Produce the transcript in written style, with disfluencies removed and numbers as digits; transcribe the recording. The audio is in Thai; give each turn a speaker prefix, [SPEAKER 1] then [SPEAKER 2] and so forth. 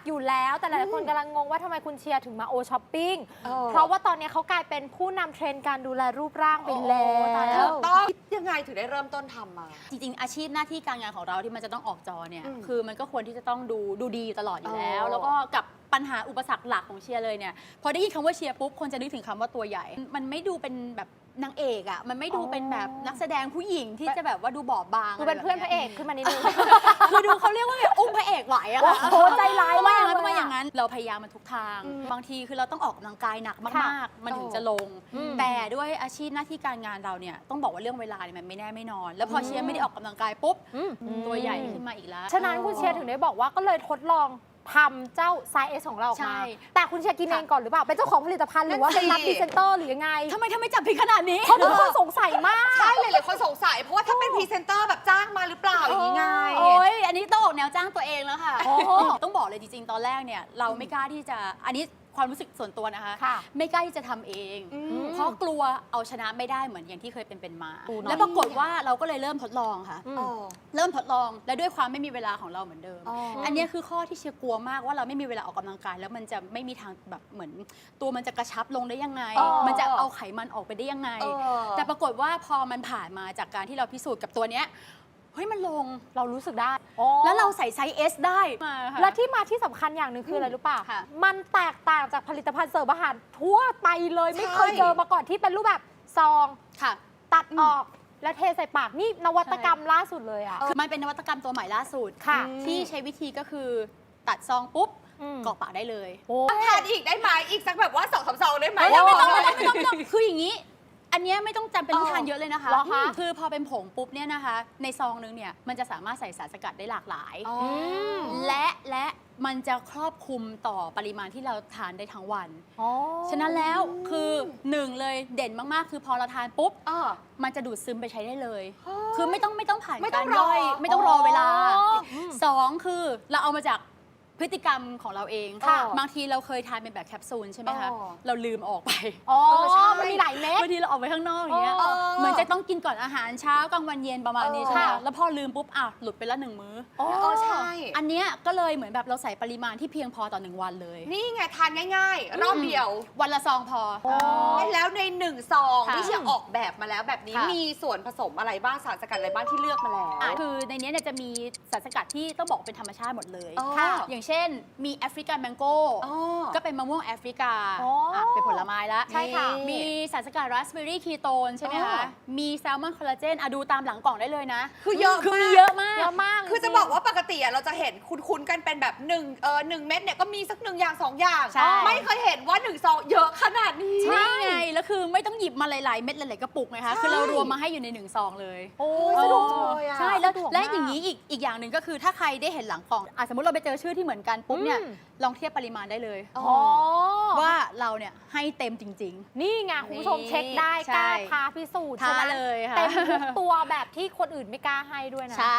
[SPEAKER 1] อยู่แล้วแต่หลายคนกำลังงงว่าทำไมคุณเชียร์ถึงมาโอช้อปปิ้งเพราะว่าตอนนี้เขากลายเป็นผู้นำเทรนด์การดูแลรูปร่างไปแล้ว
[SPEAKER 2] ต้องยังไงถึงได้เริ่มต้นทำมา
[SPEAKER 3] จริงๆอาชีพหน้าที่การงานของเราที่มันจะต้องออกจอเนี่ยคือมันก็ควรที่จะต้องดูดีตลอดอยู่แล้วแล้วก็กับปัญหาอุปสรรคหลักของเชียร์เลยเนี่ยพอได้ยินคำว่าเชียร์ปุ๊บคนจะนึกถึงคำว่าตัวใหญ่มันไม่ดูเป็นแบบนางเอกอ่ะมันไม่ดูเป็นแบบนักแสดงผู้หญิงที่จะแบบว่าดูบอบบาง
[SPEAKER 1] ดูเป็นเพื่อนพระเอกขึ้นมานิดนึง
[SPEAKER 3] คือดูเขาเรียกว่าแบบอุ้มพระเอกไหวอะค่ะ
[SPEAKER 1] โอ้ใจร้ายมาก
[SPEAKER 3] ต้องมาอย่างนั้นเราพยายามมันทุกทางบางทีคือเราต้องออกกำลังกายหนักมากๆมันถึงจะลงแต่ด้วยอาชีพหน้าที่การงานเราเนี่ยต้องบอกว่าเรื่องเวลาเนี่ยมันไม่แน่ไม่นอนแล้วพอเชียร์ไม่ได้ออกกำลังกายปุ๊บตัวใหญ่ขึ้นมาอีกแล้ว
[SPEAKER 1] ฉะนั้นคุณเชียร์ถึงได้บอกว่าก็เลยทดลองทำเจ้าไซส์ S ของเราออกมาแต่คุณเชียร์กินเองก่อนหรือเปล่าเป็นเจ้าของผลิตภัณฑ์หรือว่าเป็นรับพรีเซนเตอร์หรือยังไง
[SPEAKER 3] ทำไมจับผิดขนาดนี้
[SPEAKER 1] เพราะทุกคนสงสัยมาก
[SPEAKER 2] ใช่เลยคนสงสัยเพราะว่าถ้าเป็นพรีเซนเตอร์แบบจ้างมาหรือเปล่าอย่างนี้ไง
[SPEAKER 3] โอ้ยอันนี้ต้องออกแนวจ้างตัวเองแล้วค่ะต้องบอกเลยจริงๆตอนแรกเนี่ยเราไม่กล้าที่จะอันนี้ความรู้สึกส่วนตัวนะคะไม่กล้าที่จะทำเองเพราะกลัวเอาชนะไม่ได้เหมือนอย่างที่เคยเป็นมาแล้วปรากฏว่าเราก็เลยเริ่มทดลองค่ะเริ่มทดลองและด้วยความไม่มีเวลาของเราเหมือนเดิมอันนี้คือข้อที่เชียร์กลัวมากว่าเราไม่มีเวลาออกกำลังกายแล้วมันจะไม่มีทางแบบเหมือนตัวมันจะกระชับลงได้ยังไงมันจะเอาไขมันออกไปได้ยังไงแต่ปรากฏว่าพอมันผ่านมาจากการที่เราพิสูจน์กับตัวเนี้ยเฮ้ยมันลง
[SPEAKER 1] เรารู้สึกได้
[SPEAKER 3] แล้วเราใส่ไซส์ S ได้
[SPEAKER 1] และที่มาที่สำคัญอย่างหนึ่งคืออะไรรู้ป่ะมันแตกต่างจากผลิตภัณฑ์เสริมอาหารทั่วไปเลยไม่เคยเจอมาก่อนที่เป็นรูปแบบซองตัดออกแล้วเทใส่ปากนี่นวัตกรรมล่าสุดเลยอ่ะ
[SPEAKER 3] คือมันเป็นนวัตกรรมตัวใหม่ล่าสุดที่ใช้วิธีก็คือตัดซองปุ๊บกรอกปากได้เลย
[SPEAKER 2] ทานอีกได้ไหมอีกสักแบบว่า2-3 ซองได้ไหม
[SPEAKER 3] ไม่ต้องคืออย่างนี้อันนี้ไม่ต้องจำเป็นต้องทานเยอะเลยนะคะคือพอเป็นผงปุ๊บเนี่ยนะคะในซองนึงเนี่ยมันจะสามารถใส่สารสกัดได้หลากหลายและมันจะครอบคลุมต่อปริมาณที่เราทานได้ทั้งวันฉะนั้นแล้วคือ1เลยเด่นมากๆคือพอเราทานปุ๊บมันจะดูดซึมไปใช้ได้เลยคือไม่ต้องผ่านการย่อยไม่ต้องรอเวลา2คือเราเอามาจากพฤติกรรมของเราเองบางทีเราเคยทานเป็นแบบแคปซูลใช่ไหมคะเราลืมออกไป
[SPEAKER 1] ใช่มันมีหลายเม็ด
[SPEAKER 3] บางทีเราออกไปข้างนอกอย่างเงี้ยเหมือนจะต้องกินก่อนอาหารเช้ากลางวันเย็นประมาณนี้ใช่ไหมแล้วพอลืมปุ๊บหลุดไปละ1 มื้อ
[SPEAKER 2] ใช่
[SPEAKER 3] อันเนี้ยก็เลยเหมือนแบบเราใส่ปริมาณที่เพียงพอต่อ1 วันเลย
[SPEAKER 2] นี่ไงทานง่ายๆรอบเดียว
[SPEAKER 3] วันละซองพอ
[SPEAKER 2] แล้วใน1 ซองที่เชียร์ออกแบบมาแล้วแบบนี้มีส่วนผสมอะไรบ้างสารสกัดอะไรบ้างที่เลือกมาแล้ว
[SPEAKER 3] คือในนี้เนี่ยจะมีสารสกัดที่ต้องบอกเป็นธรรมชาติหมดเลยอย่างเช่นมีแอฟริกันแมงโก้ก็เป็นมะม่วงแอฟริกาเป็นผลไม้ละ
[SPEAKER 1] ใช่ค่ะ
[SPEAKER 3] มีสารสกัดราสเบอร์รี่คีโตนใช่ไหมคะมีแซลมอนคอลลาเจนดูตามหลังกล่องได้เลยนะ
[SPEAKER 2] คือเยอะ
[SPEAKER 3] มีเยอะมาก
[SPEAKER 2] คือจะบอกว่าปกติเราจะเห็นคุ้นๆกันเป็นแบบ1 เม็ดเนี่ยก็มีสัก1 อย่าง 2 อย่างไม่เคยเห็นว่า1 ซองเยอะขนาดนี้
[SPEAKER 3] ใช่ไงแล้วคือไม่ต้องหยิบมาหลายๆเม็ดหลายๆกระปุกไงคะคือเรารวมมาให้อยู่ใน1 ซองเลย
[SPEAKER 2] สะดวกเลย
[SPEAKER 3] ใช่และอย่างนี้อีกอย่างหนึ่งก็คือถ้าใครได้เห็นหลังกล่องสมมติเราไปเจอชื่อที่เหมือนกันปุ๊บเนี่ยลองเทียบปริมาณได้เลยว่าเราเนี่ยให้เต็มจริง
[SPEAKER 1] ๆนี่ไงคุณผู้ชมเช็คได้กล้าท้าพิสูจน์ใช่ไหม
[SPEAKER 3] เลยค่ะ
[SPEAKER 1] เต็มทุกตัวแบบที่คนอื่นไม่กล้าให้ด้วยนะ